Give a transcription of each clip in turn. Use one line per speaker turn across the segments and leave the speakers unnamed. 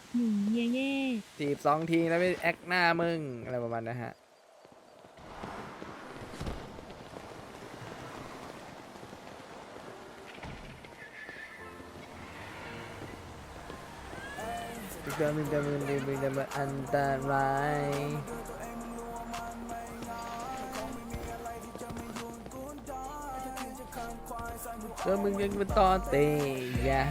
หนุ่มเย่เย่
จีบ2 ทีแล้วไปแอคหน้ามึงอะไรประมาณนะฮะเดินมันอันตรายมึงยังเป็นตอนเตะยะ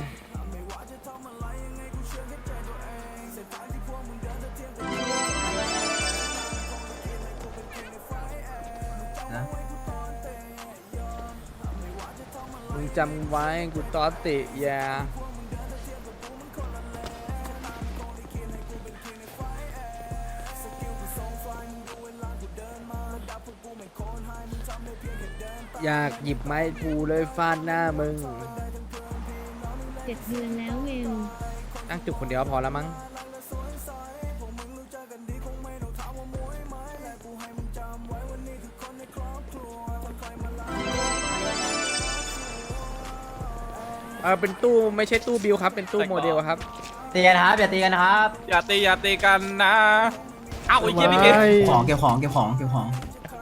มึงจำไว้กูตอนเตะยะอยากหยิบไม้พูเลยฟาดหน้ามึง
7 เดือนแล้วเวล
นั่งจุกคนเดียวพอแล้วมั้งเป็นตู้ไม่ใช่ตู้บิลครับเป็นตู้โมเดลครับ
ตีกันครับอย่าตีกันครับ
อย่าตีกันนะเอ้าไอ้เหี้ยพี่เก็บ
ของเก็บของเก็บของเก็บของ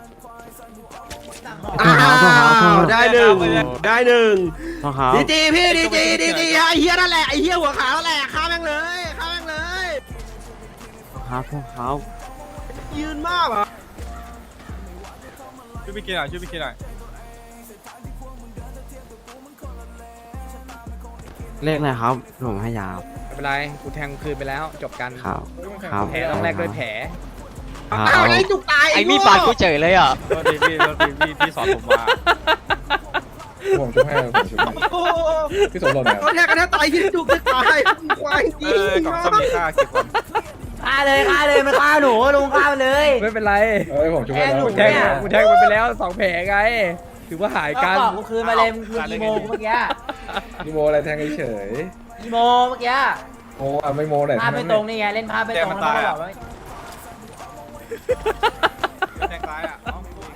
ได้หนึ่งดีจีพี่ดีจีไอ้เฮียนั่นแหละไอ้เฮียหัวขาวนั่นแหละฆ่าแม่งเลย
ครับพวกเขา
ยืนมากอ่ะ
ช่วยพี่เก็บหน่อย
เลขอะไรครับผมให้ยาว
ไม่เป็นไรกูแทงคืนไปแล้วจบกัน
ครับครับ
แผลต้องแรกด้วยแผล
อ้าวไอ้จุกตาย
ไอ้มีดปาดกูเฉยเลยอ่ะ
โทษทีพี่สอนผมมา
ผมจะให้ผมจะให้พี่สมรสเนี่ย
เขาแทกกันแทบตายพี่จุกจะตายควายจริง
กล่องส้มมีค่าเก็บก่อน
ฆ่าเลยมันฆ่าหนูลุงฆ่ามันเลย
ไม่เป็นไร
ผมจะให้แล้ว
กูแทงมันไปแล้ว2 แผลไงถือว่าหายกัน
กูคืนมาเลยมึงคืนอีโมเมื่อกี้
นี่โมอะไรแทงเฉย
อีโมเมื่อกี้
โมไม่โมไหน
ภาพไม่ตรงนี่ไงเล่นภาพไม่ตรงแล้วก็บอกว่า
แทงซ้ายอ่ะ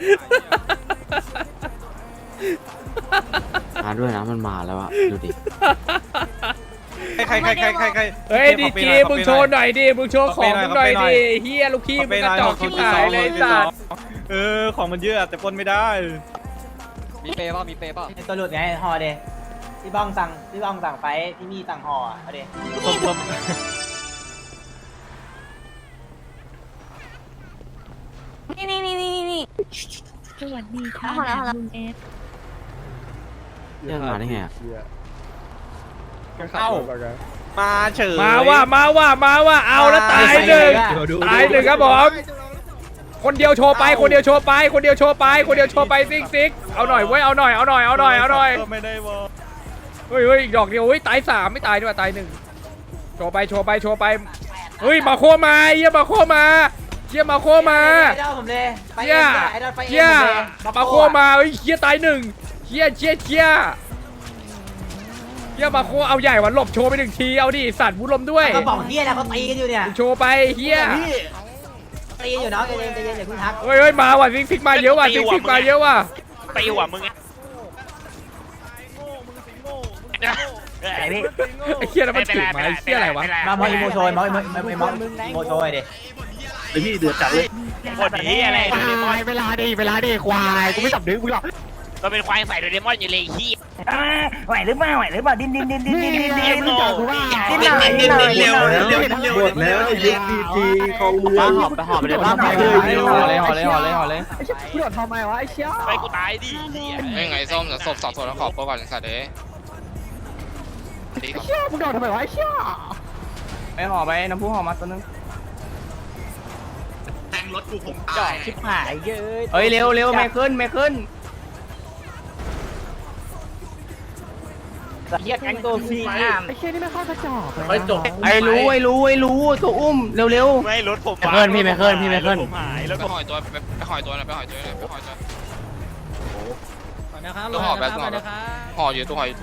มาด้วยนะมันมาแล้วอะดูดิ
ใคร
เฮ้ยดีจีมึงโชว์หน่อยดิมึงโชว์ของมึงหน่อยดิเฮียลูกพี่มึงกระจอกชิบหายเลยสัตว์
ของมันเยอะแต่ปนไม่ได้
มีเปย์ป่ะมีเปย์ป่ะ
ตัวหลุดไงห่อเดที่บ้องสั่งไฟที่นี่สั่งห่อเอาเด
นี่สวัสดีค่ะลุงเอฟ
เรื่องมาได้ไงอะ
เอ้ามาเฉย
มาว่าเอาแล้วตายหนึ่งครับผมคนเดียวโชว์ไปซิกเอาหน่อยเว้ยเอาหน่อย
ไม่ได้วอ
เฮ้ยอีกดอกเดียวเฮ้ยตาย3ไม่ตายด้วยตาย1โชว์ไปเฮ้ยมาโคมาเยี่ยมาโคมาเยี่ยมาโคมาเยี่ยมาโคมาเฮ้ยเยี่ยตาย1เยี่ยมาโคเอาใหญ่วันหลบโชว์ไป1 ทีเอาดิสัตว์บุญลมด้วย
เขาบอกเฮียนะเขาตีกันอยู่เนี่ย
โชว์ไปเฮีย
ตีอยู่เนาะใจเย็นอย่าเพิ่งทัก
เฮ้ยมาว่ะซิกมาเยอะว่ะซิกมาเยอะว่ะ
ตีหัวมึงไง
ไอ้พี่
ไอ้เฮียแล้วมันถึงมาไอ้เฮียอะไรวะ
มาอีโมโชยมาอีโมโชยดิ
ไอ้พี่เดือดจัดเลย
หมดนี้อะไรโดเรมอน
เวลาดิควายกูไม่จับดึงมึงหรอก
เราเป็นควายใส่โดเรมอนอยู่เลยขี้
ไหวหรือเปล่าดิ้น
ดิ้น
หน่อยหมดแล้วไอ้ยุคดีจีของเมือง
หอบไปเลยบ้าไปเลยห่อเลย
ไปกูตายดิเหี้ย
ไม่ไงส้มเดี๋ยวศพ2 ตัวแล้วขอบก่อนสัตว์เด้ดีก่อน
ไปห่อไปน้ำพุห่อมาตัวนึง
แทงรถกูผม
จ่อชิบหายเยอะ
เฮ้ยเร็วไม่ขึ้น
เฮียแก๊งตัวฟรีน้ำ
ไปจบ
ไอ้รู้ตัวอุ้มเร็ว
ไม่รถผม
ไม่ขึ้นพี่ไม่ขึ้น
ผมหายแล้ว
ไปหอยตัวไปหอยตัวตัวห่อแบบห่ออยู่ตัวห่อ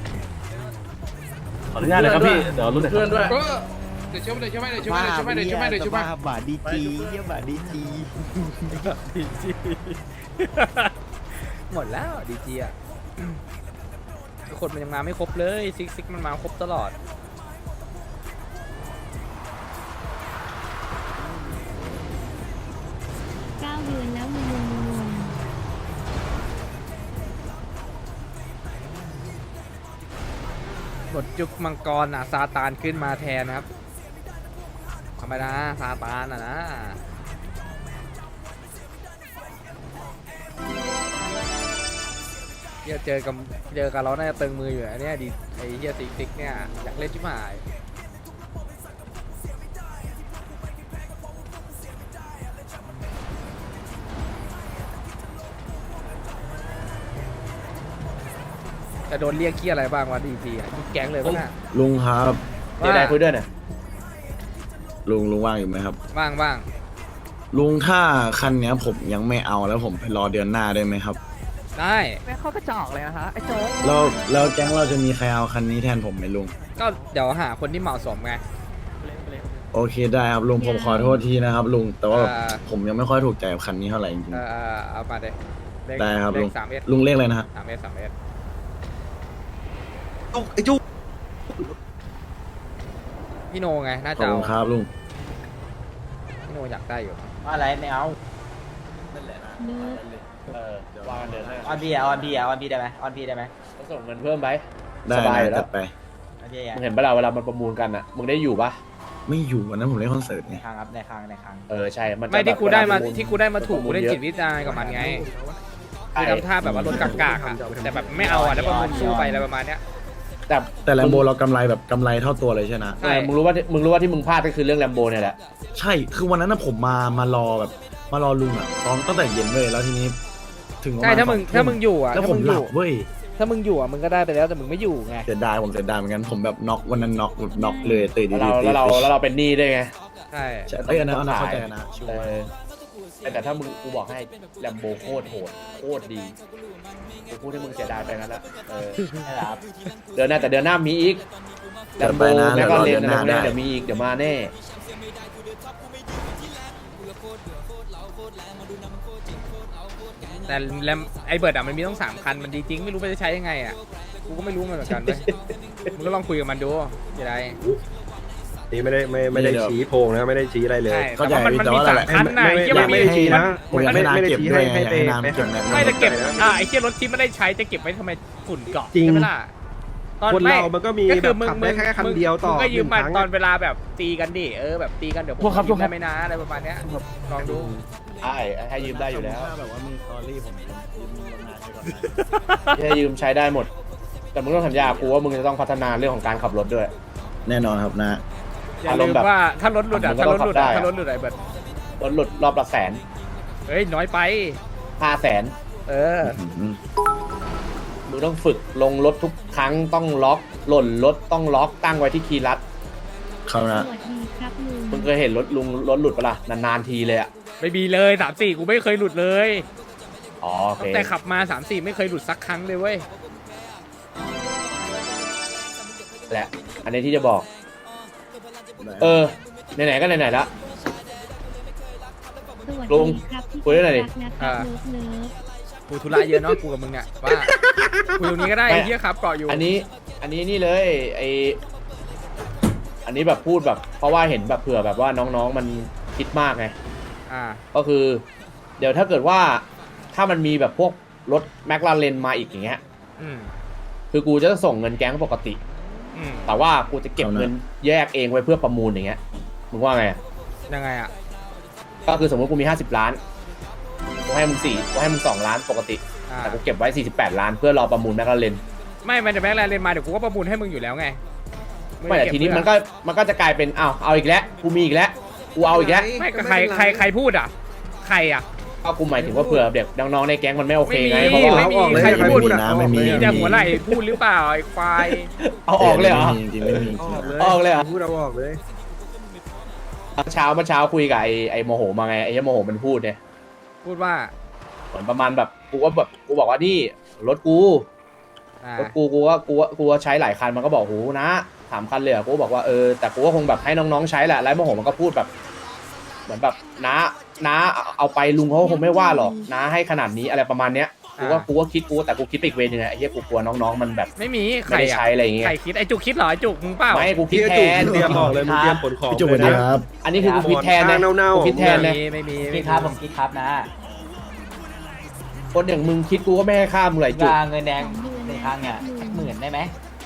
ขออนุญาตเลยครับพี่เดี๋ยวรุ่นเพื่อนด้วย
เดี๋ยวช่วย
บาดีจีเยี่ยบาดีจี
หมดแล้วดีจีอ่ะคนมันยังมาไม่ครบเลยซิกมันมาครบตลอด
9 เดือนแล้วงง
บทยุคมังกรซาตานขึ้นมาแทนนะครับธรรมดาซาตานนะเฮียเจอกับเราน่าจะตึงมืออยู่อันเนี้ยดิไอ้เฮียติ๊กเนี่ยอยากเล่นชิบหายจะโดนเรียกเกี้ยอะไรบ้างวะดีทีทุกแก๊งเลยปะน่ะ
ลุงครับ
เดี๋ยวได้คุยด้วยหน่อย
ลุงว่างอยู่ไหมครับ
ว่าง
ลุงถ้าคันเนี้ยผมยังไม่เอาแล้วผมไปรอเดือนหน้าได้ไหมครับ
ได้
แม่เข้ากระจอกเลยนะคะไอ้โจ๊ก
แล้วแก๊งเราจะมีใครเอาคันนี้แทนผมไหมลุง
ก็เดี๋ยวหาคนที่เหมาะสมไง
โอเคได้ครับลุงผมขอโทษทีนะครับลุงแต่ว่า
อ่า
ผมยังไม่ค่อยถูกใจกับคันนี้เท่าไหร่จริง
เอามาเลย
ๆได้ครับ
เล
ลุ
ข
ง
3S
ลุงเลขอะไรนะฮะ
3S
ไอ้จุ๊
พี่โนไงน่า
ขอบ
จะเอา
คุณครับลุง
พี่โนอยากได้อยู่
อะไรไม่เอา
ๆเนื้อ
ออนพีได้ไหมออนพีได้ไหม
ส่งเงินเพิ่มไป
ได้
สบายอยู่
นะ
แล้ว
จัดไป
โอเค
มึงเห็นปะล่ะเวลามันประมูลกันอ่ะ มึงได้อยู่ปะ
ไม่อยู่วันนั้นผมเล่นคอนเสิร์ต
ใน
ไง
ครั้งครับในครั้ง
ใช่ มันจะ
ไม่ที่กูได้มา
แบบเวลประล
ที่กูได้มาถูก
ประ
กู
มูล
เล่น
เยอะ
จิตวิทยากับมันไงคือทำท่าแบบว่ารถกากๆอะแต่แบบไม่เอาอ่ะแล้วประมูลสู้ไปอะไรประมาณเนี้ย
แต่แลมโบเรากำไรแบบกำไรเท่าตัวเลยใช่ไหม
ใช่
มึงรู้ว่าที่มึงพลาดก็คือเรื่องแลมโบเนี่ยแหละ
ใช่คือวันนั้นนะผมมารอแบบมารอลุงอ่ะตอนตั้งแต่เย็นเลยแล้วทีนี้ ถึงประ
ใช่
ณ
ถ้ามึง
2
ถ้ามึงอยู่อ่ะ
แล้ว
ถ้า
ผ
มึ
ม
งอ
หลั
ยู่
บเว้ย
ถ้ามึงอยู่อ่ะมึงก็ได้ไปแล้วแต่มึงไม่อยู่ไง
เสียดายผมเสียดายเหมือนกันผมแบบน็อกวันนั้นน็อกแบบน็อกเลยตื่นดี
แล้วเราเป็นหนี้ด้วยไง
ใช่
ใช่เอ้ยอันนั้นเข้าใจนะชัว
เอ
ร์
อแต่ถ้ามึงกูบอกให้แลมโบโคตรโหดโคตรดีกูพูดให้มึงเสียดายไปงั้นละ
นะครับ
เดือนหน้าแต่เดือนหน้ามีอีกแล
เดี๋ยว
ม
ไป
โบ
นะ
แล้
เดี๋ยว ว
ก็
รอ
เล
เดื
น
อนหน้าได้
เดี๋ยวมีอีกเดี๋ยวมาแน่
แต่แลมไอเบิร์ดอ่ะมันมีต้อง3 คันมันดีจริงไม่รู้มันจะใช้ยังไงอ่ะกูก็ไม่รู้มันเหมือนกันเลยมึงก็ลองคุยกับมันดูจะได้
นี่ไม่ได้ชี้โพงนะไม่ได้ชี้อะไรเลย
ใช่
เข้าใจ
แต่ว่ามัน
แต่
มี
ว่า
3 คันน่ะไอ้เหี้ยมันมี
ไม่ได้ชี้นะ
ผมอยากให้นางเก็บด้วยไงอยากให้นางเก็บ
ไม่จะเก็บไอ้เหี้ยรถที่ไม่ได้ใช้จะเก็บไว้ทำไมฝุ่นเกาะ
จริง
ใช่ไหมล่ะตอน
คนเรามันก็มี
ก็คือ
แบบขับได้แค่คันเดียวต่อ
มึงก็ยืมมา
1 ครั้ง
ตอนเวลาแบบตีกันดิแบบตีกันเดี๋ยวผมยืมได้ไหมนะอะไรประมาณเนี้ยลองดู
ให้ยืมได้อยู่แล้ว
ถ้าแบบว่ามีสตอรี่ผมยืมนางไปก่อนนะ
ให้ยืมใช้ได้หมด แต่มึงต้องสัญญากูว่ามึงจะต้องพัฒนาเรื่องของการขับรถด้วย
แน่นอนครับนะ
อย่าลืมว่าถ้ารถหลุดอ่ะถ้ารถหลุดอ่ะถ้ารถหลุดไอ้เบิร์ด
รถหลุดรอบละ100,000
เฮ้ยน้อยไป
500,000
เออ
มึงต้องฝึกลงรถทุกครั้งต้องล็อกหล่นรถต้องล็อกตั้งไว้ที่คีย์ลัด
เขา
ส
นะ
วัสดีครับลุง
มึงเคยเห็นรถหลุดปะล่ะนานๆทีเลยอ่ะ
ไม่มีเลย3-4กูไม่เคยหลุดเลย
อ๋อโอเค
ตั้งแต่ขับมา3-4ไม่เคยหลุดสักครั้งเลยเว้ย
แหละอันนี้ที่จะบอกไหนๆก็ไหนๆละ
สวัส
ลุง
ดีครับที่
คุยด้วยหน่อยดิ
รักนะครับเลิฟ
กูธุระเยอะเนาะกูกับมึงเนี่ยว่าคุยตรงนี้ก็ได้ไอ้เหี้ยครับเกาะอยู่
อันนี้นี่เลยอันนี้แบบพูดแบบเพราะว่าเห็นแบบเผื่อแบบว่าน้องๆมันคิดมากไง ก็คือ เดี๋ยวถ้าเกิดว่าถ้ามันมีแบบพวกรถแมคลาเรนมาอีกอย่างเงี้ย
อืม
คือกูจะส่งเงินแก๊งปกติ
อืม
แต่ว่ากูจะเก็บเงินแยกเองไว้เพื่อประมูลอย่างเงี้ยมึงว่าไงอะ
ยังไงอ่ะ
ก็คือสมมติกูมี50 ล้านกูให้มึง2 ล้านปกติ แต่กูเก็บไว้48 ล้านเพื่อรอประมูลแมคลาเรน
ไม่มันจะแม็กแลนเลนมาเดี๋ยวกูก็ประมูลให้มึงอยู่แล้วไง
ไม่แต่ทีนี้มันก็จะกลายเป็นเอาอีกแล้วกูมีอีกแล้วกูเอาอีกแล้ว
ไม่ก็ใครพูดอ่ะใครอ่ะ
ก็กูหมายถึงว่าเผื่อเด็กน้องๆในแก๊งมันไม่โอเคไง
ไม่มี
เพราะว่า
ไม่มีใครพูด
นะไม่มี
มีแต่หัวไหล่พูดหรือเปล่าไอ้ควาย
เอาออกเลยเหรอ
จริงๆไม่มี
ออกเลยเหรอ
พูดเอาออกเลย
เมื่อเช้าคุยกับไอ้โมโหมาไงไอ้โมโหมันพูดเนี่ย
พูดว่า
เหมือนประมาณแบบกูบอกว่านี่รถกูก็ใช้หลายคันมันก็บอกโหนะ3 คันเลยกูบอกว่าแต่กูก็คงแบบให้น้องๆใช้แหละแล้วโมโหมันก็พูดแบบเหมือนแบบน้าเอาไปลุงเขาคงไม่ว่าหรอกน้าให้ขนาดนี้อะไรประมาณเนี้ยกูก็คิดแต่กูคิดไปอีกเวนึงไงไอ้เหี้ยกูกลัวน้องๆมันแบบ
ไม่มี
ไม่
ใคร
ได้
อะ
ใช้อะไรอย่างเงี้ย
ใครคิดไอ้จุกคิดเหรอไอ้จุกมึงเปล่า
ไม่กูคิดแทน
เตรียมบอกเลยมึงเตรียมขนของ
พี่จุกสวัสดีครับ
อันนี้คือกูคิดแทนนะ
เน่าๆ
กูคิดแทนนะ
ไม่มี
คิดครับผมคิดครับนะ
คนอย่างมึงคิดกูก็ไม่ให้ค่ามึงไหลจุก
วางเงินแดงในครั้งเนี่ย10,000ได้ไหม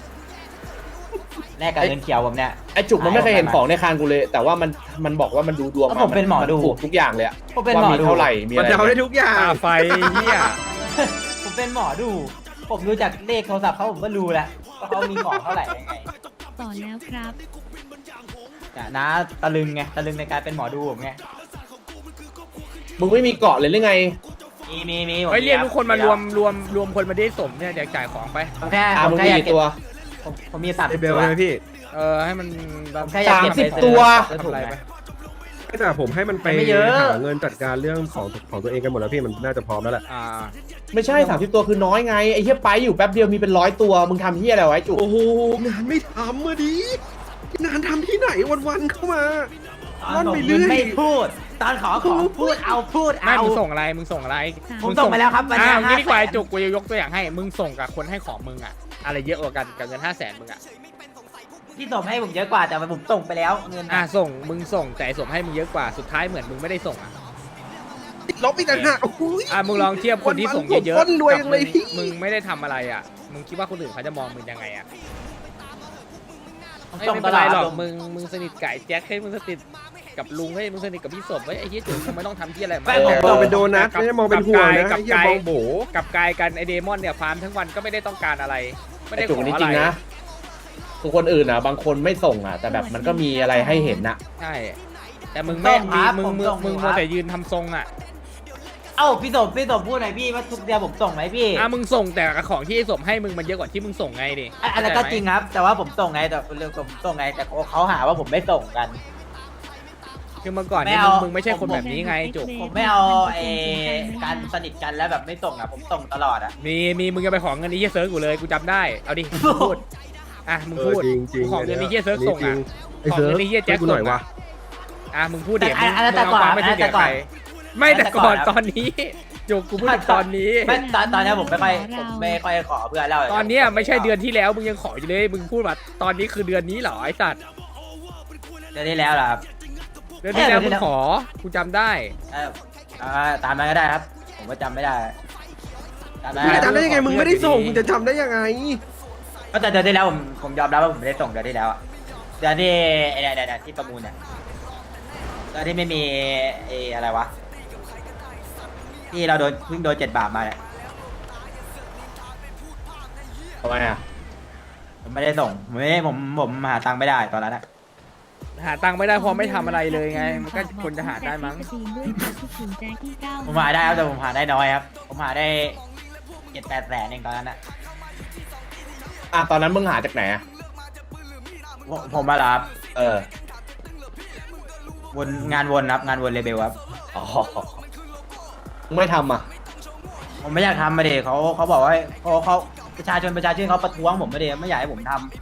แลกกับเงินเขียวผมเนี่ย
ไอ้จุกมันไม่เคยเห็นของในคางกูเลย แต่ว่ามันบอกว่ามันดูดวง
ผมเป็นหมอดู
ถูกทุกอย่างเลยอะ
ผมเป็น
ว่า
หมอ
มี
ดู
เท่าไหร่มี
มั
อะ
น
ไร
จะเอาได้ทุกอย่าง
ตาไฟเฮีย
ผมเป็นหมอดู ผมดูจากเลขโทรศัพท์เขาผมก็รู้แล้วว่าเขามีของเท่าไหร่ยังไง
ต่อแล้วครับ
เนี่ยนะตะลึงไงตะลึงในการเป็นหมอดูผมไง
มึงไม่มีเกาะเลยหรือไง
มีผม
เฮ้ยเรียก
มี
ทุกคนมารวมคนมาได้สมเนี่ยแจกจ่ายของไป
ผมแค่
มึง
อยาก
มี
เก็บ
ตัว
ผมมี30
ไอเบลใช่ไหมพี่
ให้มัน
ผมแค่อยากเก็บ
30ตัว
ทำอะไรไป
แต่ผมให้มันไป
ไม่เยอะ
หาเงินจัดการเรื่องของตัวเองกันหมดแล้วพี่มันน่าจะพร้อมแล้วแหละ
ไม่ใช่30ตัวคือน้อยไงไอ้เหี้ยไปอยู่แป๊บเดียวมีเป็น100ตัวมึงทำเหี้ยอะไรไว้จุก
โอ้โหงานไม่ทำอะดิงานทำที่ไหนวันๆเข้ามา
ตอนผมไม่พูด ตอนขอของพูดเอา
ไม่มึงส่งอะไรมึงส่งอะไร
ผมส่งไปแล้วครับวันนี้
งี้ดีกว่าไอ้
500,000
จุกกูจะยกตัวอย่างให้มึงส่งกับคนให้ของมึงอะอะไรเยอะกว่ากันกับเงิน500,000มึงอะ
ที่ส่งให้ผมเยอะกว่าแต่ผมส่งไปแล้วเงิน
มึงส่งแต่ส่งให้มึงเยอะกว่าสุดท้ายเหมือนมึงไม่ได้ส่งอะ
ติดลบอีกต่างหากโอ้โห
มึงลองเทียบคนที่ส่งเยอะ
คนรวยจังเลย
กับ
พี่
มึงไม่ได้ทำอะไรอะมึงคิดว่าคนอื่นเขาจะมองมึงยังไงอะ
ผม
ไม่
ส่ง
เป็นไรหรอก
ตลอด
มึงสนิทไก่แจ็คให้มึงสนิทกับลุงให้มึงสนิทกับพี่สมไอ้เหี้ยจุกมึงไม่ต้องทำที่อะไร
ไม่ผม
มองเป็นโดนัทไม่ใช่มองเป็นห่วงนะ
กับ
ไอ้เหี้ย
กาย
มองโบ
กับกายกันไอเดมอนเนี่ยฟาร์มทั้งวันก็ไม่ได้ต้องการอะไร ไม่ได้
ไอ้
ข
จุก
อ
นี้
อะ
จ
ไร
ริงนะคือคนอื่นอ่ะบางคนไม่ส่งอ่ะแต่แบบมันก็มีอะไรให้เห็นอ่ะ
ใช่แต่มึงไม่มีมึงมัวแต่ยืนทำทรงอ่ะ
เอ้าพี่สมพูดหน่อยพี่ว่าทุกเดือนผมส่งไหมพี่
มึงส่งแต่ของที่ไอ้สมให้มึงมันเยอะกว่าที่มึงส่งไงดิ
อันนั้นก็จริงครับ แต่ว่าผมส่งไงแต่ผมส่งไงแต่เขาหาว่าผมไม่ส่งกัน
คือเมื่อก่อน
ไม่
นี่
เอา
มึงไม่ใช่คนแบบนี้ไงจุก
ผมไม่เอาการสนิทกันแล้วแบบไม่ส่งอ่ะผมส่งตลอดอ่ะ
มีมึงจะไปของเงินนี้เฮียเซิร์ฟกูเลยกูจำได้เอาดิมึงพูดมึงพูด
จริงๆ
ของเงินนี้เฮียเซิร์ฟส่งอ่ะ
ไอ้เซิร์ฟ
ของเงินนี้เฮียแจ็ค
ช่วยกูหน่อยวะ
มึงพูดเดี๋ยว
อันนั้นแต่ก่อน
ไม่ถูกกับใครไม่แต่ก่อนตอนนี้จุกกูพูดตอนนี้
ไม่ตอนนี้ผมไม่ค่อยขอเพื่อนแล้ว
ตอนเนี้ยไม่ใช่เดือนที่แล้วมึงยังขออยู่เลยมึงพูดว่าตอนนี้คือเดือนนี้เหรอไอ้สัตว์
เดือนที่แล้วเหรอครับ
เดือนที่แล้วมึงขอกูจำได้
ตามนั้นก็ได้ครับ ผมก็จำไม่ได้ตามนั้น
มึงจะจำได้ยังไงมึงไม่ได้ส่งมึงจะจำได้ยังไง
ก็แต่เดือนที่แล้วผมยอมรับว่าผมไม่ได้ส่งเดือนที่แล้วอะเดือนที่ที่ประมูลเนี่ยเดือนที่ไม่มีอะไรวะที่เราเพิ่งโดน7 บาทมาเนี่ย
ทำไมอ่ะ
ผมไม่ได้ส่งผมหาตังค์ไม่ได้ตอนนั้นอะ
หาตังค์ไม่ได้เพราะไม่ทำอะไรเลยไงมันก็คนจะหาได้มั้ง
ผมหาได้ครับแต่ผมหาได้น้อยครับ ผมหาได้7-8 แสนเองตอนนั้นอะ
ตอนนั้นมึงหาจากไหนอ่ะ
ผมมารับ
วน
งานวนครับงานวนเลเบลครับ
อ๋อมึงไม่ทำอ่ะ
ผมไม่อยากทำมาเดเขาบอกว่าเขาประชาชนเขาประท้วงผมมาเดไม่อยากให้ผมทำ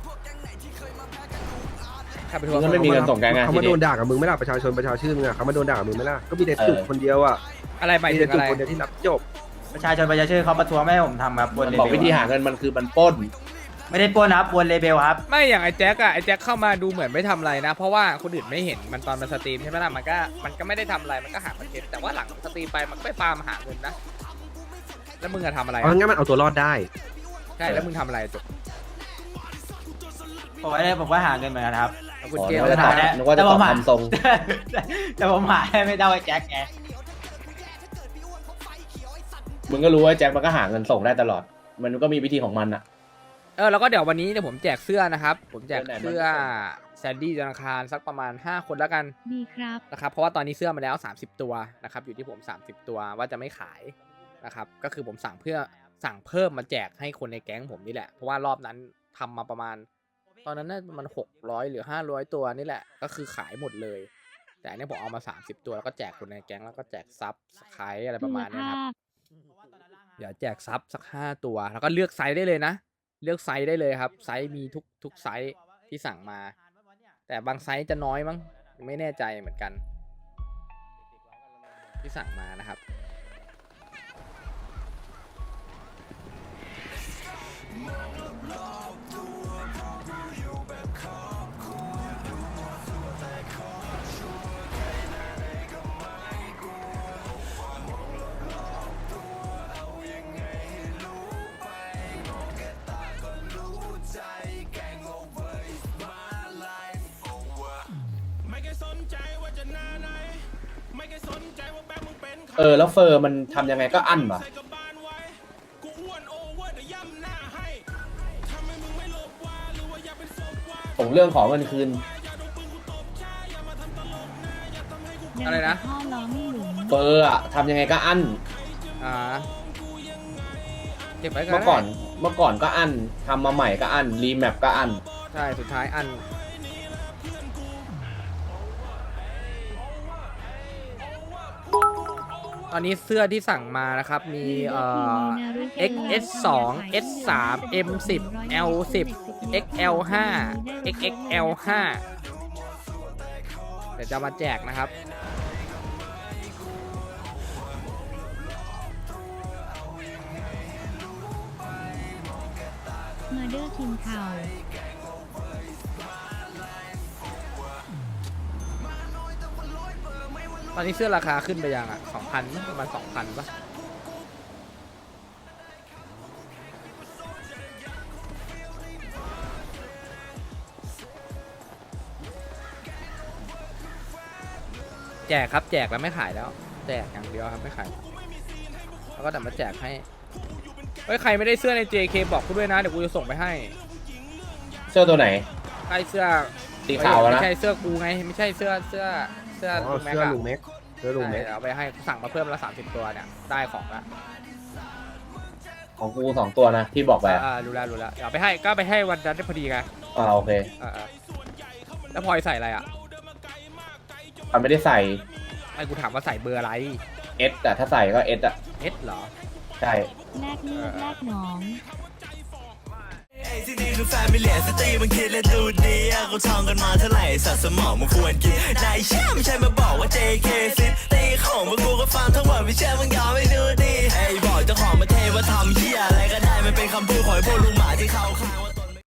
มึงก็ไม่มีเงินส่งแกไง
เขามาโดนด่ากับมึงไม่ล่ะประชาชนมึงอ่ะเขามาโดนด่ากับมึงไม่ล่ะก็มีแต่จุกคนเดียวอ่ะ
อะไรหมาย
มี
ถึ
แต่
ง
จุ
อะ
ก
ไร
คนเดียวที่รับจบ
ประชาชนเขาประท้วงไม่ให้ผมทำครับวนเล
บอก
เบล
วิธีหาเงินมันคือมันปล้น
ไม่ได้ปล้นครับวนเลเบลครับ
ไม่อย่างไอ้แจ็คเข้ามาดูเหมือนไม่ทำอะไรนะ เพราะว่าคนอื่นไม่เห็นมันตอนมันสตรีมใช่ไหมล่ะมันก็ไม่ได้ทำอะไรมันก็หาคอนเทนต์แต่ว่าหลังสตรีมไปมันก็ไปฟาร์มหาเงินนะแล้วมึงจะทำอะไร
เอางั้นมันเอาตัวรอดได้
ใช่แล้วมึงทำอะไรจุก
ผมก็หาเงินเหมือนกันครับ
เอาคุณ
อ๋อ
เกล
นึกว่าจะตอบนึกว่าจะตอบคำทรง
แต่ผมหาได้ไม่ได้ไอ้แจ็คไง
มึงก็รู้ว่าแจ็คมันก็หาเงินส่งได้ตลอด มันก็มีวิธีของมันอ่ะ
แล้วก็เดี๋ยววันนี้ผมแจกเสื้อนะครับผมแจกเสื้อ
เสื้อไหน
แซนดี้ธนาคารสักประมาณ5 คนแล้วกัน
ดีครับ
นะครับเพราะว่าตอนนี้เสื้อมาแล้ว30 ตัวนะครับอยู่ที่ผม30 ตัวว่าจะไม่ขายนะครับก็คือผมสั่งเพิ่มมาแจกให้คนในแก๊งผมนี่แหละเพราะว่ารอบนั้นทำมาประมาณตอนนั้นน่ามัน600หรือ500ตัวนี่แหละก็คือขายหมดเลยแต่อันนี้ผมเอามา30 ตัวแล้วก็แจกคนในแก๊งแล้วก็แจกซับไครอะไรประมาณนี้ครับเดี๋ยวแจกซับสัก5 ตัวแล้วก็เลือกไซส์ได้เลยนะเลือกไซส์ได้เลยครับไซส์มีทุกไซส์ที่สั่งมาแต่บางไซส์จะน้อยมั้งไม่แน่ใจเหมือนกันที่สั่งมานะครับ
แล้วเฟอร์มันทำยังไงก็อั้นวะผมเรื่องของเงินคืน
อะไรนะ
พ่อร้องหลุม
เฟอร์อะทำยังไงก็อั้น
เก็บไว้
เมื่อก่อนก็อั้นทำมาใหม่ก็อั้นรีแมปก็อั้น
ใช่สุดท้ายอันตอนนี้เสื้อที่สั่งมานะครับมีXS2 S3 M10 L10 XL5 XXL5 เดี๋ยวจะมาแจกนะครับ
มาเดอร์คิมข่าว
ตอนนี้เสื้อราคาขึ้นไปยังอ่ะ 2,000 ประมาณ 2,000 ป่ะแจกครับแจกแล้วไม่ขายแล้วแจกอย่างเดียวครับไม่ขายแล้วก็แต่มาแจกให้เฮ้ยใครไม่ได้เสื้อใน JK บอกกูด้วยนะเดี๋ยวกูจะส่งไปให้
เสื้อตัวไหน
ใช่เสื้อ
สีขาวนะ
ไม่ใช่เสื้อกูไงไม่ใช่เสื้อลุงแม็ก
เสื้อ
อะ
ลุงเม็กเสื้อลุงเม็ก
เอาไปให้สั่งมาเพิ่มละ30 ตัวเนี่ยได้ของละ
ของกู2 ตัวนะที่บอกไปอะ
รู้แล้วเอาไปให้ก็ไปให้วันนั้นได้พอดีไง
โอเค
แล้วพลอยใส่อะไรอ่ะ
มันไม่ได้ใส่
ไอ้กูถามว่าใส่เบอร์อะไร
S แต่ถ้าใส่ก็ S อะ
S เหรอ
ใช่
แลกเลือดแลกหนอง
ที่นี่คือแฟมิเลียสตรีมันคิดและดูดีอะกูท่องกันมาเท่าไหร่สัตว์สมองมันควรกินนายเชื่อไม่ใช่มาบอกว่า JK ซิตีของพวกกูก็ฟังทั้งหมดไม่เชื่อมึงยอมไม่ดูดีไอ้บอกเจ้าของประเทศว่าทำเหี้ยอะไรก็ได้มันเป็นคำพูดของไอ้พวกลุงหมาที่เขาข้าง